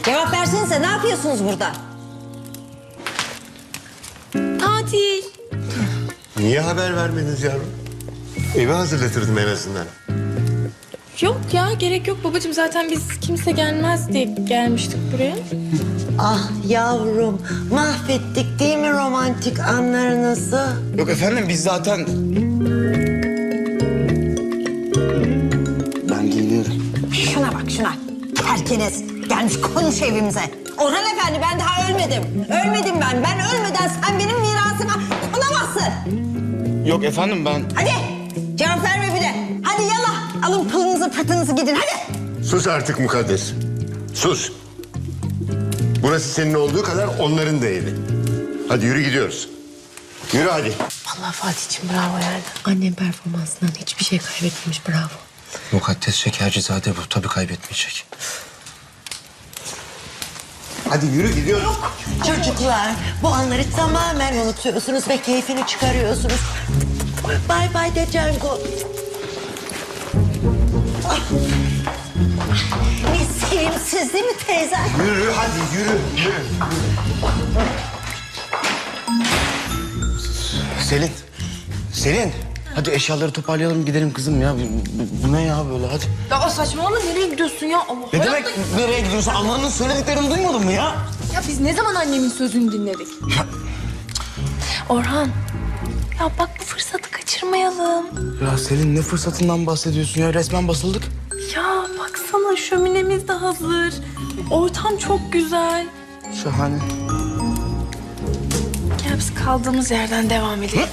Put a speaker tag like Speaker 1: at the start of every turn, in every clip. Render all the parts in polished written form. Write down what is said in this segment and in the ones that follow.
Speaker 1: Cevap versenize, ne yapıyorsunuz burada?
Speaker 2: Tatil.
Speaker 3: Niye haber vermediniz yavrum? Evi hazırlatırdım en azından.
Speaker 2: Yok ya, gerek yok babacığım. Zaten biz kimse gelmez diye gelmiştik buraya.
Speaker 1: Ah yavrum, mahvettik değil mi romantik anlarınızı?
Speaker 4: Yok efendim biz zaten... Ben geliyorum.
Speaker 1: Şuna bak şuna. Herkes gelmiş konuş evimize. Orhan Efendi, ben daha ölmedim. Ölmedim ben. Ben ölmeden sen benim mirasıma konamazsın.
Speaker 4: Yok efendim ben...
Speaker 1: Hadi cevap verme bile. Hadi yallah. Alın pılınızı pırtınızı gidin hadi.
Speaker 3: Sus artık Mukaddes. Sus. Burası senin olduğu kadar onların da evi. Hadi yürü gidiyoruz. Yürü hadi.
Speaker 5: Vallahi Fatih'ciğim bravo yani. Annem performansından hiçbir şey kaybetmemiş, bravo.
Speaker 6: Mukaddes Şekercizade bu. Tabii kaybetmeyecek.
Speaker 3: Hadi yürü gidiyoruz.
Speaker 1: Çocuklar, bu anları tamamen unutuyorsunuz ve keyfini çıkarıyorsunuz. Bay bay de Cengo. Ah. Ne sevimsiz değil mi teyze?
Speaker 3: Yürü hadi yürü.
Speaker 4: Selin. Selin. Hadi eşyaları toparlayalım gidelim kızım ya. Bu ne ya böyle hadi.
Speaker 2: Ya saçmalama, nereye gidiyorsun ya? Allah
Speaker 4: Ne
Speaker 2: Allah.
Speaker 4: demek nereye gidiyorsun? Anlarının söylediklerini duymadın mı ya?
Speaker 2: Ya biz ne zaman annemin sözünü dinledik? Orhan, ya bak bu fırsatı kaçırmayalım.
Speaker 4: Ya Selin ne fırsatından bahsediyorsun ya? Resmen basıldık.
Speaker 2: Ya baksana, şöminemiz de hazır. Ortam çok güzel.
Speaker 4: Şahane.
Speaker 2: Gel biz kaldığımız yerden devam edelim.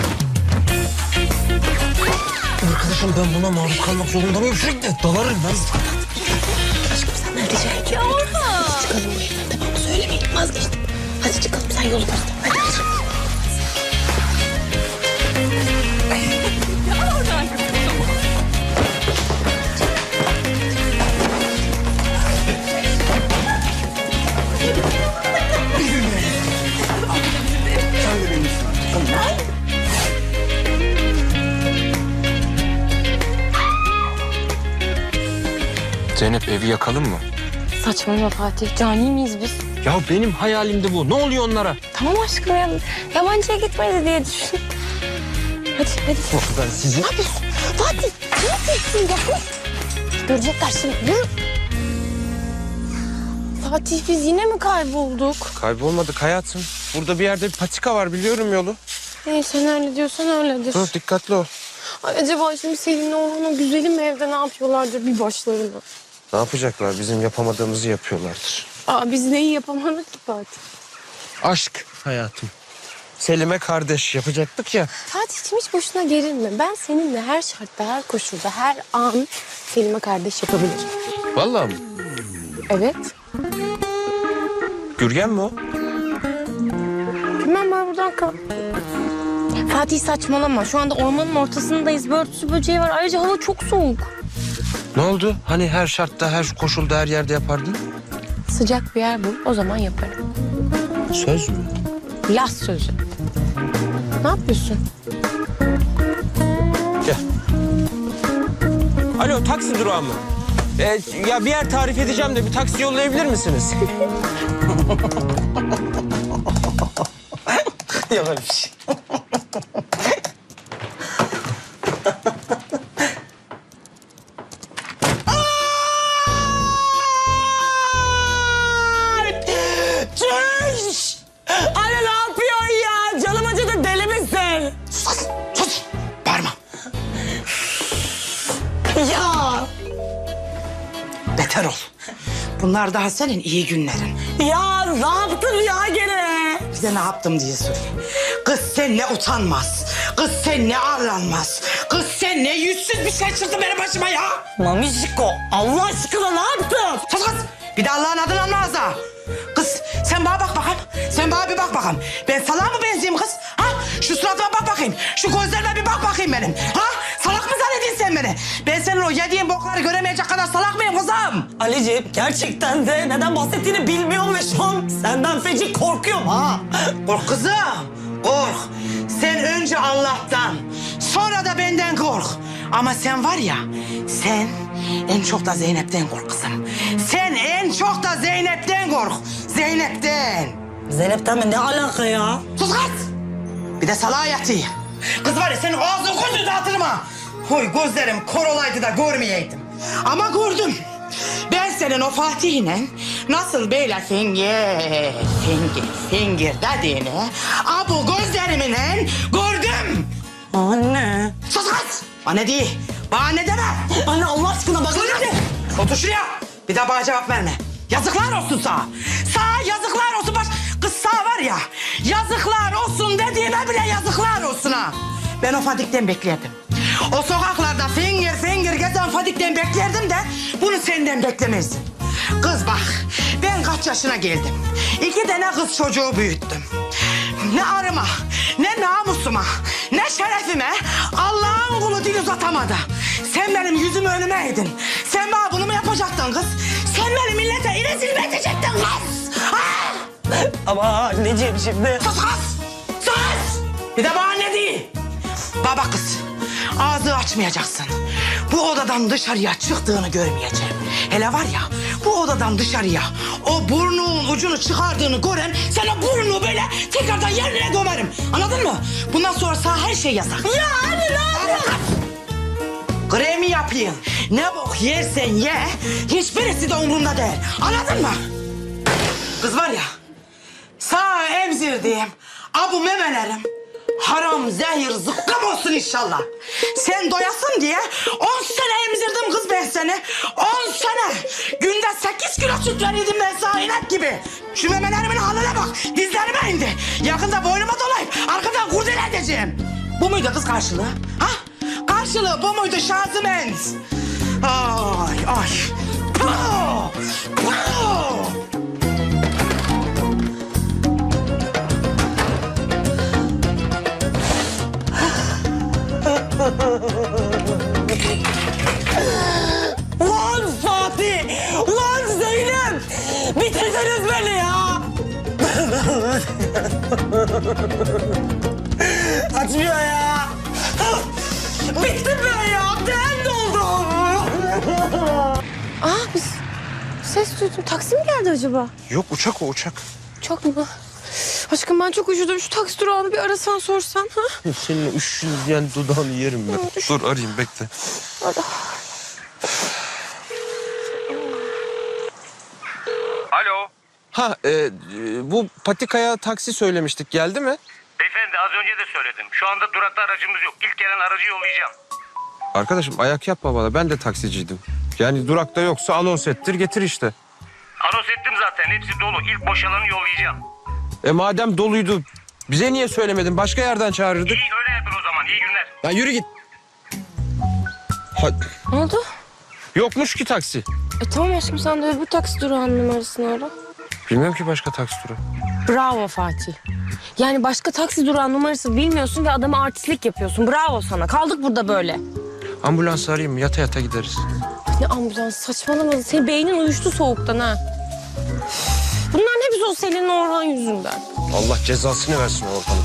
Speaker 6: Arkadaşım ben buna maruz kalmak zorunda mıyım? Sürekli dalarım ben.
Speaker 5: Aşkım sen ne diyeceksin?
Speaker 2: Ya Orhan.
Speaker 5: Çıkalım bu evden, tamam mı? Söylemeyin, vazgeçtim. Hadi çıkalım, sen yolu göster. Hadi.
Speaker 6: Zeynep evi yakalım mı?
Speaker 5: Saçmalama Fatih, cani miyiz biz?
Speaker 6: Ya benim hayalimdi bu. Ne oluyor onlara?
Speaker 5: Tamam aşkım ya, yabancıya gitmedi diye düşün. Hadi.
Speaker 6: Ben sizi...
Speaker 5: Ne yapıyorsun? Fatih, ne yapıyorsun ya? Görecekler şimdi, yürü. Fatih, biz yine mi kaybolduk?
Speaker 6: Kaybolmadık hayatım. Burada bir yerde bir patika var, biliyorum yolu.
Speaker 5: Sen öyle diyorsan öyledir.
Speaker 6: Dur dikkatli ol.
Speaker 5: Ay, acaba şimdi Selim'le Orhan o güzelim evde ne yapıyorlardır bir başlarına?
Speaker 6: Ne yapacaklar? Bizim yapamadığımızı yapıyorlardır.
Speaker 5: Aa, biz neyi yapamadık ki Fatih?
Speaker 6: Aşk hayatım. Selim'e kardeş yapacaktık ya.
Speaker 5: Fatih'cim hiç boşuna gerilme. Ben seninle her şartta, her koşulda, her an Selim'e kardeş yapabilirim.
Speaker 6: Vallahi mi?
Speaker 5: Evet.
Speaker 6: Gürgen mi o?
Speaker 5: Bilmem, ben buradan kal. Fatih saçmalama. Şu anda ormanın ortasındayız. Börtüsü böceği var. Ayrıca hava çok soğuk.
Speaker 6: Ne oldu? Hani her şartta, her koşulda, her yerde yapardın?
Speaker 5: Sıcak bir yer bul. O zaman yaparım.
Speaker 6: Söz mü?
Speaker 5: Laz sözü. Ne yapıyorsun?
Speaker 6: Gel. Alo, taksi durağı mı? Ya bir yer tarif edeceğim de bir taksi yollayabilir misiniz?
Speaker 4: Ya böyle bir şey.
Speaker 7: Çüş! Anne ne yapıyorsun ya? Canım acıdı, deli misin?
Speaker 4: Sus! Bağırma.
Speaker 7: Ya!
Speaker 8: Beter ol. Bunlar daha senin iyi günlerin.
Speaker 7: Ya ne yaptın ya gene?
Speaker 8: Bir de ne yaptım diye sorayım. Kız sen ne utanmaz. Kız sen ne arlanmaz. Kız sen ne yüzsüz bir şey çıktı benim başıma ya.
Speaker 7: Mamişko, Allah aşkına ne yaptın?
Speaker 8: Sus kız. Bir de Allah'ın adını anla az daha. Kız sen bana bak bakalım. Sen bana bir bak bakalım. Ben salağa mı benzeyeyim kız? Ha? Şu suratıma bak bakayım. Şu gözlerime bir bak bakayım benim. Ha? Salak mı zannediyorsun sen beni? Ben senin o yediğin bokları göremeyecek kadar salak mıyım kızım?
Speaker 7: Ali'ciğim gerçekten de neden bahsettiğini bilmiyorum ve şu an senden feci korkuyorum ha.
Speaker 8: Kork kızım, kork. Sen önce Allah'tan, sonra da benden kork. Ama sen var ya, sen En çok da Zeynep'ten kork kızım. Sen en çok da Zeynep'ten kork. Zeynep'ten.
Speaker 7: Zeynep'ten mi? Ne alaka ya?
Speaker 8: Sus kız. Bir de salağa yatıyor. Kız var ya senin ağzını gözünü dağıtırım ha. Oy gözlerim kor olaydı da görmeyeydim. Ama gördüm. Ben senin o Fatih'le nasıl böyle fingir dediğini bu gözlerimle gördüm.
Speaker 7: Anne.
Speaker 8: Sus kız. Bana değil. Bana ne deme.
Speaker 7: Anne Allah aşkına bak.
Speaker 8: Otur şuraya. Bir daha bana cevap verme. Yazıklar olsun sana. Sana yazıklar olsun. Bak kız sağ var ya. Yazıklar olsun dediğime bile yazıklar olsun ha. Ben o Fadik'ten beklerdim. O sokaklarda fingir gezen Fadik'ten beklerdim de bunu senden beklemezdim. Kız bak ben kaç yaşına geldim. 2 tane kız çocuğu büyüttüm. Ne arıma, ne namusuma, ne şerefime Allah'ın kulu dil uzatamadı. Sen benim yüzümü önüme eğdin. Sen bana bunu mu yapacaktın kız? Sen beni millete rezil mi edecektin kız? Ha?
Speaker 7: Ama anneciğim şimdi.
Speaker 8: Sus kız! Sus! Bir de bana ne değil? Baba kız, ağzı açmayacaksın. Bu odadan dışarıya çıktığını görmeyeceğim. Hele var ya, bu odadan dışarıya o burnunun ucunu çıkardığını gören... ...sen o burnunu böyle tekrardan yerine gömerim. Anladın mı? Bundan sonra sana her şey yasak. Ya anne ne yapıyorsun? Kremi yapayım. Ne bok yersen ye, hiçbirisi de umurumda değil. Anladın mı? Kız var ya, sağ emzirdiğim bu memelerim haram, zehir, zıkkım olsun inşallah. Sen doyasın diye 10 sene emzirdim kız ben seni. 10 sene. Günde 8 kilo süt verirdim ben sana inek gibi. Şu memelerimin haline bak. Dizlerime indi. Yakında boynuma dolayıp arkadan kurdele edeceğim. Bu muydu kız karşılığı? Ha? Karşılığı bu muydu Şaziment? Ay ay. Puh! Puh!
Speaker 7: Ulan Fatih! Ulan Zeynep! Bitirdiniz beni ya! Açmıyor ya! Bittim ben ya! Ben doldum!
Speaker 5: Biz ses duydum. Taksi mi geldi acaba?
Speaker 6: Yok uçak o uçak.
Speaker 5: Çok mu? Aşkım ben çok üşüdüm. Şu taksi durağını bir arasan sorsan. Ha?
Speaker 6: Senin üşüyen dudağını yerim ben. Dur arayayım bekle.
Speaker 9: Alo.
Speaker 6: Ha bu patikaya taksi söylemiştik. Geldi mi?
Speaker 9: Beyefendi az önce de söyledim. Şu anda durakta aracımız yok. İlk gelen aracı yollayacağım.
Speaker 6: Arkadaşım ayak yapma bana. Ben de taksiciydim. Yani durakta yoksa anons ettir getir işte.
Speaker 9: Anons ettim zaten. Hepsi dolu. İlk boşalanı yollayacağım.
Speaker 6: Madem doluydu bize niye söylemedin? Başka yerden çağırırdık.
Speaker 9: İyi öyle yapın o zaman. İyi günler.
Speaker 6: Ya yürü git.
Speaker 5: Ne oldu?
Speaker 6: Yokmuş ki taksi.
Speaker 5: Tamam aşkım sen de öbür taksi durağının numarasını ara.
Speaker 6: Bilmiyorum ki başka taksi durağı.
Speaker 5: Bravo Fatih. Yani başka taksi durağının numarası bilmiyorsun ve adama artistlik yapıyorsun. Bravo sana. Kaldık burada böyle.
Speaker 6: Ambulans arayayım mı? Yata yata gideriz.
Speaker 5: Ne ambulans saçmalama. Senin beynin uyuştu soğuktan ha. Bunların hepsi o Selin'in Orhan yüzünden.
Speaker 6: Allah cezasını versin Orhan'ın.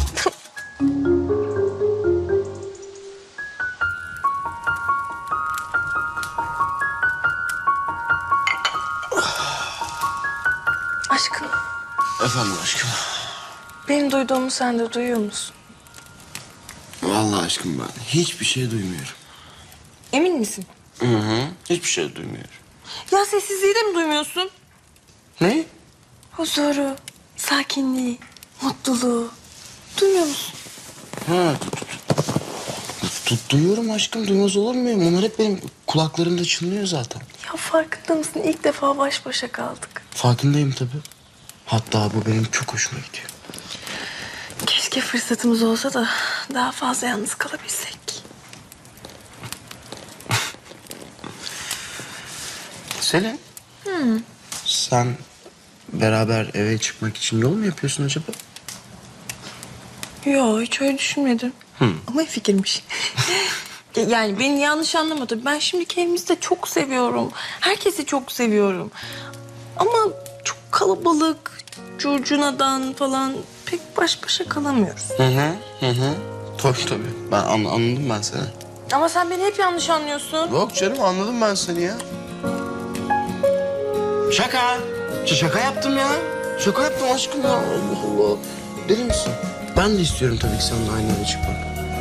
Speaker 2: Aşkım,
Speaker 4: Efendim aşkım.
Speaker 2: benim duyduğumu sen de duyuyor musun?
Speaker 4: Vallahi aşkım ben hiçbir şey duymuyorum.
Speaker 2: Emin misin?
Speaker 4: Hı hı. Hiçbir şey duymuyorum.
Speaker 2: Ya sessizliği de mi duymuyorsun?
Speaker 4: Ne?
Speaker 2: Huzuru, sakinliği, mutluluğu. Duymuyor musun?
Speaker 4: Ha, duyuyorum aşkım. Duymaz olur muyum? Onlar hep benim kulaklarımda çınlıyor zaten.
Speaker 2: Ya farkında mısın? İlk defa baş başa kaldık.
Speaker 4: Farkındayım tabii. Hatta bu benim çok hoşuma gidiyor.
Speaker 2: Keşke fırsatımız olsa da daha fazla yalnız kalabilsek.
Speaker 4: Selin. Sen beraber eve çıkmak için yol mu yapıyorsun acaba?
Speaker 2: Yo hiç öyle düşünmedim. Ama iyi fikirmiş. Yani beni yanlış anlama tabii. Ben şimdiki evimizi de çok seviyorum. Herkesi çok seviyorum. Ama çok kalabalık, curcunadan falan pek baş başa kalamıyoruz.
Speaker 4: Hı hı. Tabii tabii. Ben anladım ben seni.
Speaker 2: Ama sen beni hep yanlış anlıyorsun.
Speaker 4: Yok canım anladım ben seni ya. Şaka. Şaka yaptım ya. Şaka yaptım aşkım ya. Allah Allah. Deli misin? Ben de istiyorum tabii ki seninle aynı yere çıkmak.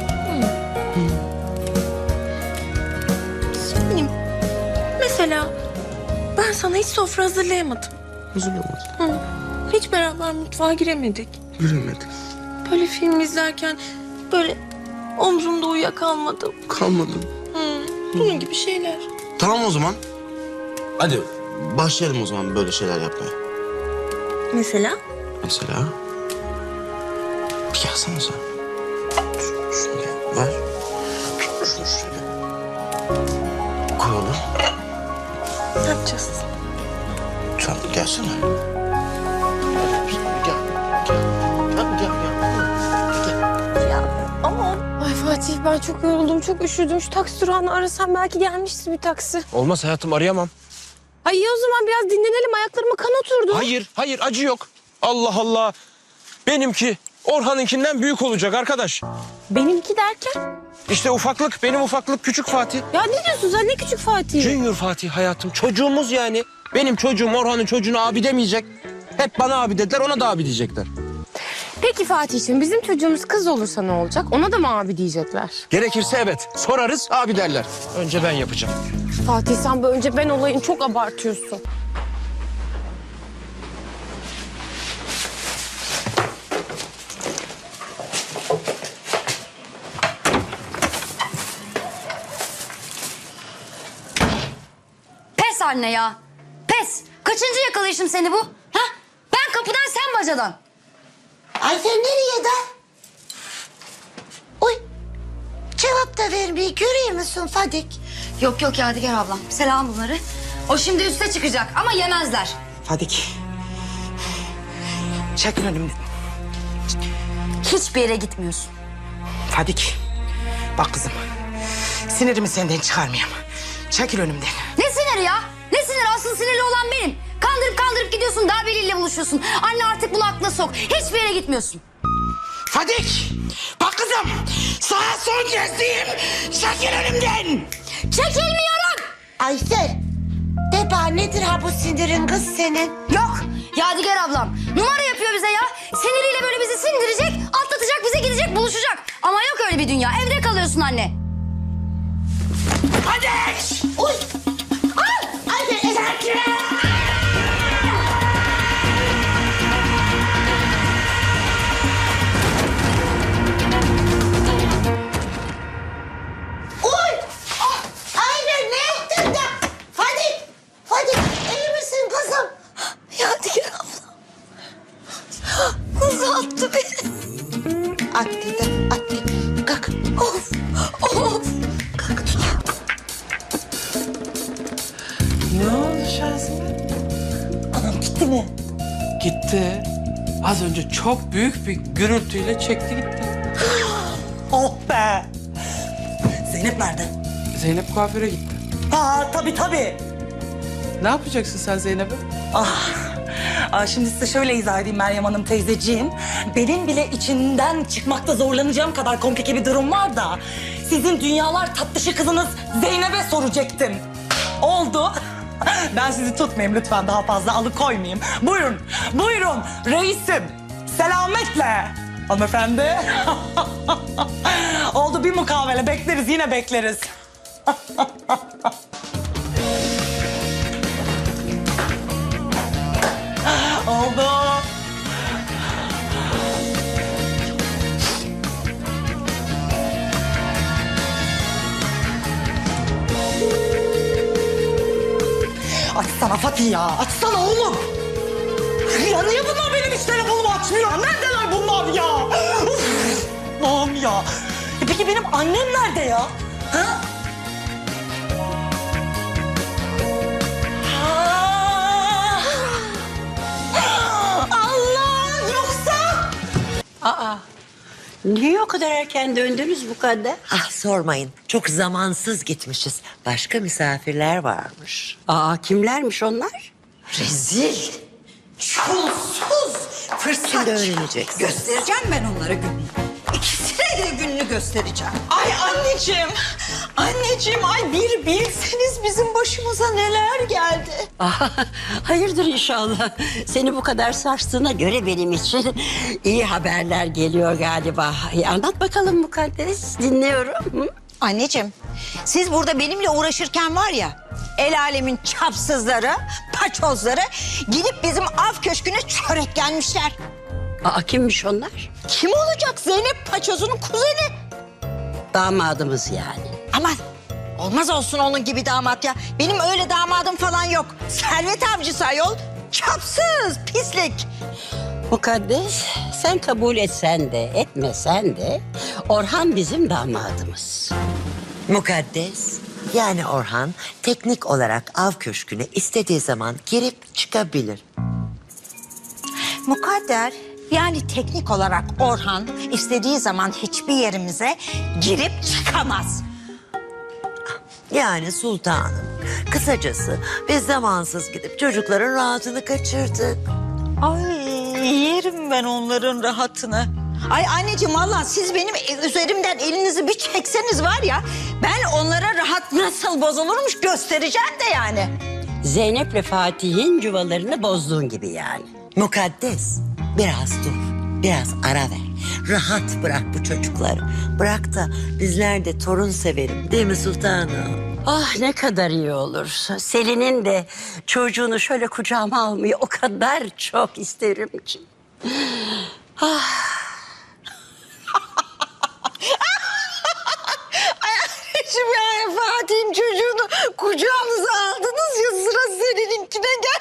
Speaker 2: Benim mesela ben sana hiç sofra hazırlayamadım.
Speaker 4: Hazırlamadım.
Speaker 2: Hiç beraber mutfağa giremedik.
Speaker 4: Yürümedik.
Speaker 2: Böyle film izlerken böyle omzumda uyuyakalmadım.
Speaker 4: Kalmadım.
Speaker 2: Bunun gibi şeyler.
Speaker 4: Tamam o zaman. Hadi başlayalım o zaman böyle şeyler yapmaya.
Speaker 2: Mesela?
Speaker 4: Mesela? Bir gelsene sen. Şunu gel, ver. Şunu şöyle. Koyalım.
Speaker 2: Ne yapacağız?
Speaker 4: Sen gelsene. Gel. Gel. Gel.
Speaker 2: Ama
Speaker 5: Ay Fatih ben çok yoruldum, çok üşüdüm. Şu taksi durağını arasam belki gelmiştir bir taksi.
Speaker 6: Olmaz hayatım, arayamam.
Speaker 5: Ay iyi o zaman biraz dinlenelim. Ayaklarıma kan oturdu.
Speaker 6: Hayır acı yok. Allah Allah. Benimki Orhan'ınkinden büyük olacak arkadaş.
Speaker 5: Benimki derken?
Speaker 6: İşte ufaklık, benim ufaklık küçük Fatih.
Speaker 5: Ya ne diyorsun sen, ne küçük Fatih?
Speaker 6: Junior Fatih hayatım, çocuğumuz yani. Benim çocuğum Orhan'ın çocuğuna abi demeyecek. Hep bana abi dediler, ona da abi diyecekler.
Speaker 5: Peki Fatih'ciğim bizim çocuğumuz kız olursa ne olacak? Ona da mı abi diyecekler?
Speaker 6: Gerekirse evet, sorarız abi derler. Önce ben yapacağım.
Speaker 5: Fatih sen bu önce ben olayını çok abartıyorsun.
Speaker 10: Pes anne ya. Pes. Kaçıncı yakalayışım seni bu? Ha? Ben kapıdan sen bacadan.
Speaker 1: Ay sen nereye de? Uy. Cevap da vermeyi görüyor musun Fadik?
Speaker 10: Yok Yadigar ablam. Selam bunları. O şimdi üste çıkacak ama yemezler.
Speaker 8: Fadik. Çekil önümden.
Speaker 10: Hiçbir yere gitmiyorsun.
Speaker 8: Fadik. Bak kızım. Sinirimi senden çıkarmayayım. Çekil önümden.
Speaker 10: Ne siniri ya? Ne sinir? Asıl sinirli olan benim. Kandırıp gidiyorsun. Daha biriyle buluşuyorsun. Anne artık bunu aklına sok. Hiçbir yere gitmiyorsun.
Speaker 8: Fadik. Bak kızım. Sana son kez diyeyim. Çekil önümden.
Speaker 10: Çekilmiyorum.
Speaker 1: Ayfer. De bana nedir ha bu sinirin kız senin?
Speaker 10: Yok. Yadigar ablam. Numara yapıyor bize ya. Siniriyle böyle bizi sindirecek, atlatacak, bize gidecek, buluşacak. Ama yok öyle bir dünya. Evde kalıyorsun anne.
Speaker 8: Fadik.
Speaker 1: Uy. Ay. Ayfer. Uy. Ah. Ayfer ne yaptın da? Fadik iyi misin kızım?
Speaker 2: Yadigar abla. Kuzu attı beni.
Speaker 1: Attı da attı. Kalk.
Speaker 2: Of.
Speaker 1: Kalk tut.
Speaker 7: Ne oldu Şazime?
Speaker 1: Anam gitti mi?
Speaker 7: Gitti. Az önce çok büyük bir gürültüyle çekti gitti.
Speaker 8: Oh be. Zeynep nerede?
Speaker 7: Zeynep kuaföre gitti.
Speaker 8: Ha tabii.
Speaker 7: Ne yapacaksın sen Zeynep'e?
Speaker 8: Şimdi size şöyle izah edeyim Meryem Hanım teyzeciğim. Benim bile içinden çıkmakta zorlanacağım kadar komplike bir durum var da... ...sizin dünyalar tatlışı kızınız Zeynep'e soracaktım. Oldu. Ben sizi tutmayayım lütfen, daha fazla alıkoymayayım. Buyurun reisim. Selametle. Hanımefendi. Oldu, bir mukavele bekleriz, yine bekleriz. Oldu. Açsana Fatih ya, açsana oğlum. Ya niye bunlar benim hiç telefonumu açmıyor? Neredeler bunlar ya? Uf, Allah'ım ya. Peki benim annem nerede ya? Ha? Allah, yoksa?
Speaker 1: Niye o kadar erken döndünüz bu kadar? Ah sormayın. Çok zamansız gitmişiz. Başka misafirler varmış. Kimlermiş onlar? Rezil. Çulsuz. Fırsat. Şimdi öğreneceksin. Göstereceğim ben onlara gününü. İkisine de size gününü göstereceğim.
Speaker 2: Ay anneciğim. Anneciğim ay bir bilseniz bizim başımıza neler geldi.
Speaker 11: Hayırdır inşallah. Seni bu kadar sarstığına göre benim için iyi haberler geliyor galiba. Anlat bakalım Mukaddes, dinliyorum. Hı?
Speaker 1: Anneciğim, siz burada benimle uğraşırken var ya... ...el alemin çapsızları, paçozları... ...gidip bizim av köşküne çörek gelmişler.
Speaker 11: Aa, kimmiş onlar?
Speaker 1: Kim olacak? Zeynep Paçoz'un kuzeni.
Speaker 11: Damadımız yani.
Speaker 1: Aman olmaz olsun onun gibi damat ya. Benim öyle damadım falan yok. Servet avcısı ayol. Çapsız, pislik.
Speaker 11: Mukaddes, sen kabul etsen de etmesen de Orhan bizim damadımız.
Speaker 12: Mukaddes, yani Orhan teknik olarak av köşküne istediği zaman girip çıkabilir.
Speaker 1: Mukadder, yani teknik olarak Orhan istediği zaman hiçbir yerimize girip çıkamaz.
Speaker 12: Yani sultanım, kısacası biz zamansız gidip çocukların rahatını kaçırdık.
Speaker 1: Ay yerim ben onların rahatını. Ay anneciğim vallahi siz benim üzerimden elinizi bir çekseniz var ya... ...ben onlara rahat nasıl bozulurmuş göstereceğim de yani.
Speaker 11: Zeynep'le Fatih'in yuvalarını bozduğun gibi yani.
Speaker 12: Mukaddes, biraz dur, biraz ara ver. Rahat bırak bu çocukları. Bırak da bizler de torun severim, değil mi sultanım?
Speaker 11: Ah ne kadar iyi olur. Selin'in de çocuğunu şöyle kucağıma almayı o kadar çok isterim ki.
Speaker 1: Anneciğim yani Fatih'in çocuğunu kucağınıza aldınız ya sıra senininkine gel.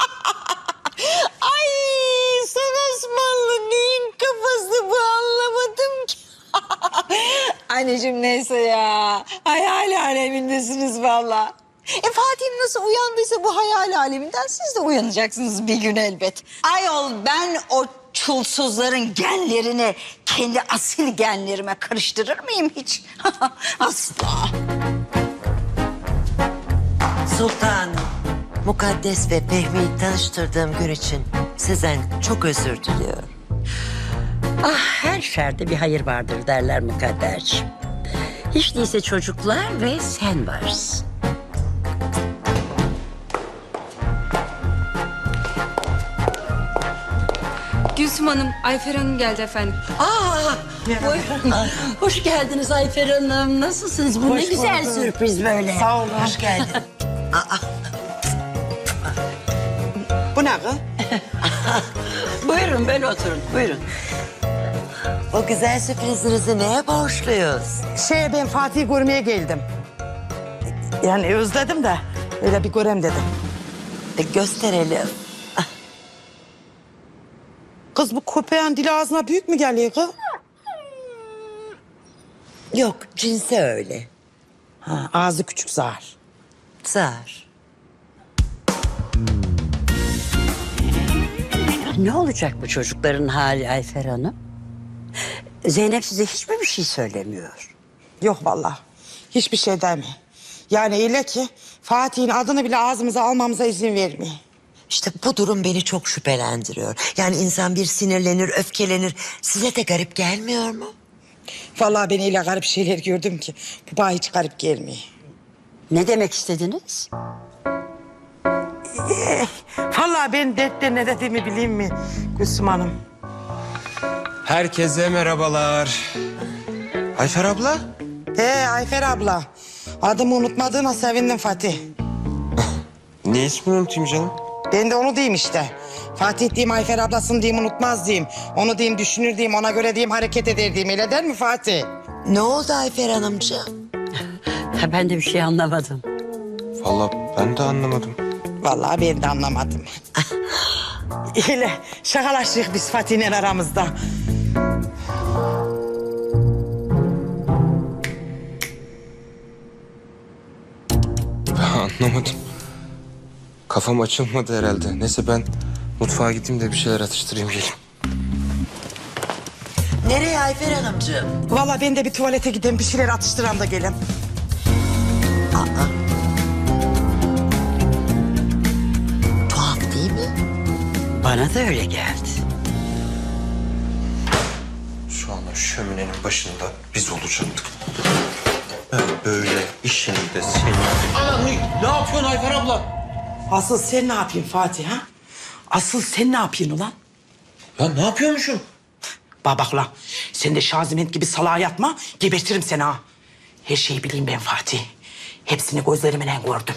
Speaker 1: Ay son Osmanlı neyin kafası bu anlamadım ki. Anneciğim neyse ya. Hayal alemindesiniz valla. Fatih'im nasıl uyandıysa bu hayal aleminden siz de uyanacaksınız bir gün elbet. Ayol ben o çulsuzların genlerini kendi asil genlerime karıştırır mıyım hiç? Asla.
Speaker 12: Sultanım, Mukaddes ve Fehmi'yi tanıştırdığım gün için sizden çok özür diliyorum.
Speaker 11: Ah her şerde bir hayır vardır derler Mukadderciğim. Hiç değilse çocuklar ve sen varsın.
Speaker 5: Gülsüm Hanım, Ayfer Hanım geldi efendim.
Speaker 11: Buyurun. Hoş geldiniz Ayfer Hanım. Nasılsınız? Bu ne güzel sürpriz böyle.
Speaker 8: Sağ olun.
Speaker 12: Hoş geldin.
Speaker 8: Bu ne kız?
Speaker 11: Buyurun böyle oturun. Buyurun.
Speaker 12: O güzel sürprizinizi neye borçluyuz?
Speaker 8: Ben Fatih'i görmeye geldim. Yani özledim de öyle bir görem dedim.
Speaker 12: Gösterelim.
Speaker 8: Kız bu köpeğin dili ağzına büyük mü geliyor kız?
Speaker 12: Yok, cinsi öyle.
Speaker 8: Ha, ağzı küçük zar.
Speaker 12: Zar.
Speaker 11: Ne olacak bu çocukların hali Ayfer Hanım? Zeynep size hiç mi bir şey söylemiyor?
Speaker 8: Yok vallahi. Hiçbir şey deme. Yani öyle ki Fatih'in adını bile ağzımıza almamıza izin vermiyor.
Speaker 12: İşte bu durum beni çok şüphelendiriyor. Yani insan bir sinirlenir, öfkelenir. Size de garip gelmiyor mu?
Speaker 8: Vallahi ben öyle garip şeyler gördüm ki bu bana hiç garip gelmiyor.
Speaker 11: Ne demek istediniz?
Speaker 8: Vallahi ben dertte ne dediğimi bileyim mi Gülsüm Hanım?
Speaker 6: Herkese merhabalar. Ayfer abla.
Speaker 8: Ayfer abla. Adımı unutmadığına sevindim Fatih.
Speaker 6: Niye ismini unutayım canım?
Speaker 8: Ben de onu diyeyim işte. Fatih diyeyim, Ayfer ablasını diyeyim, unutmaz diyeyim. Onu diyeyim, düşünür diyeyim, ona göre diyeyim, hareket eder diyeyim. Öyle der mi Fatih?
Speaker 12: Ne oldu Ayfer Hanımcığım?
Speaker 11: Ben de bir şey anlamadım.
Speaker 6: Vallahi ben de anlamadım.
Speaker 8: Vallahi ben de anlamadım. Öyle şakalaştık biz Fatih'le aramızda.
Speaker 6: Anlamadım. Kafam açılmadı herhalde. Neyse ben mutfağa gideyim de bir şeyler atıştırayım geleyim.
Speaker 12: Nereye Ayfer Hanımcığım?
Speaker 8: Vallahi ben de bir tuvalete gideyim, bir şeyler atıştıran da gelin.
Speaker 12: Tuhaf değil mi?
Speaker 11: Bana da öyle geldi.
Speaker 6: Şu Şu anda şöminenin başında biz olacaktık. Ben böyle işinde seni... Ana ne yapıyorsun Ayfer abla?
Speaker 8: Asıl sen ne yapıyorsun Fatih ha? Asıl sen ne yapıyorsun ulan?
Speaker 6: Ya ne yapıyormuşum?
Speaker 8: Bak la, sen de Şaziment gibi salağa yatma, gebertirim seni ha. Her şeyi bileyim ben Fatih. Hepsini gözlerimle gördüm.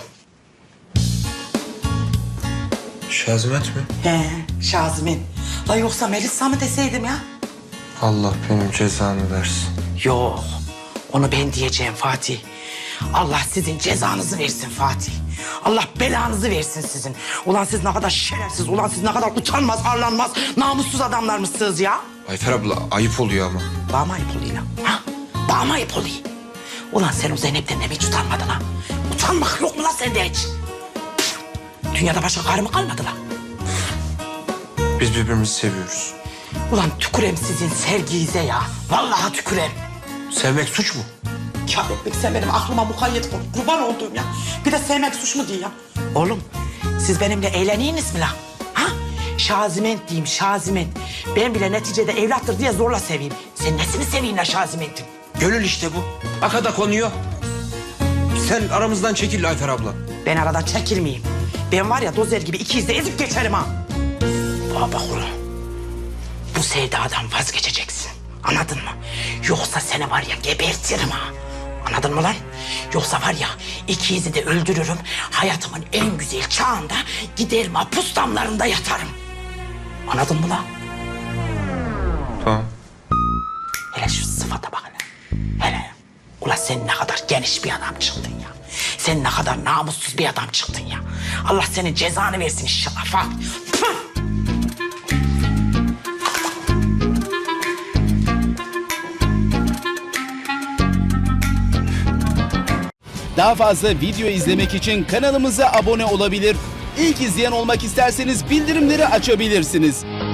Speaker 6: Şazimet mi?
Speaker 8: He, Şaziment. La yoksa Melisa mı deseydim ya?
Speaker 6: Allah benim cezanı versin.
Speaker 8: Yok, onu ben diyeceğim Fatih. Allah sizin cezanızı versin Fatih. Allah belanızı versin sizin. Ulan siz ne kadar şerefsiz, ulan siz ne kadar utanmaz, arlanmaz, namussuz adamlarmışsınız ya.
Speaker 6: Ayfer abla ayıp oluyor ama.
Speaker 8: Bana ayıp oluyor lan, ha? Bana ayıp oluyor. Ulan sen o Zeynep'ten de mi hiç utanmadın ha? Utanmak yok mu lan sende hiç? Dünyada başka karı mı kalmadı lan?
Speaker 6: Biz birbirimizi seviyoruz.
Speaker 8: Ulan tükürem sizin sevginize ya. Vallahi tükürem.
Speaker 6: Sevmek suç mu?
Speaker 8: Kahretmek sen benim aklıma mukayyet ol. Kurban olduğum ya. Bir de sevmek suç mu diye ya. Oğlum siz benimle eğleniyiniz mi lan? Ha? Şaziment diyeyim Şaziment. Ben bile neticede evlattır diye zorla seveyim. Sen nesini seveyim la Şaziment'in?
Speaker 6: Gönül işte bu. Akada konuyor. Sen aramızdan çekil Ayfer abla.
Speaker 8: Ben aradan çekilmeyeyim. Ben var ya dozer gibi iki izle ezip geçerim ha. Bak ulan. Bu sevdadan vazgeçeceksin. Anladın mı? Yoksa seni var ya gebertirim ha. Anladın mı lan? Yoksa var ya ikizi de öldürürüm. Hayatımın en güzel çağında giderim hapus damlarında yatarım. Anladın mı lan?
Speaker 6: Tamam.
Speaker 8: Hele şu sıfata bak hele. Hele. Ulan sen ne kadar geniş bir adam çıktın ya. Sen ne kadar namussuz bir adam çıktın ya. Allah senin cezanı versin inşallah. Fatih.
Speaker 13: Daha fazla video izlemek için kanalımıza abone olabilir. İlk izleyen olmak isterseniz bildirimleri açabilirsiniz.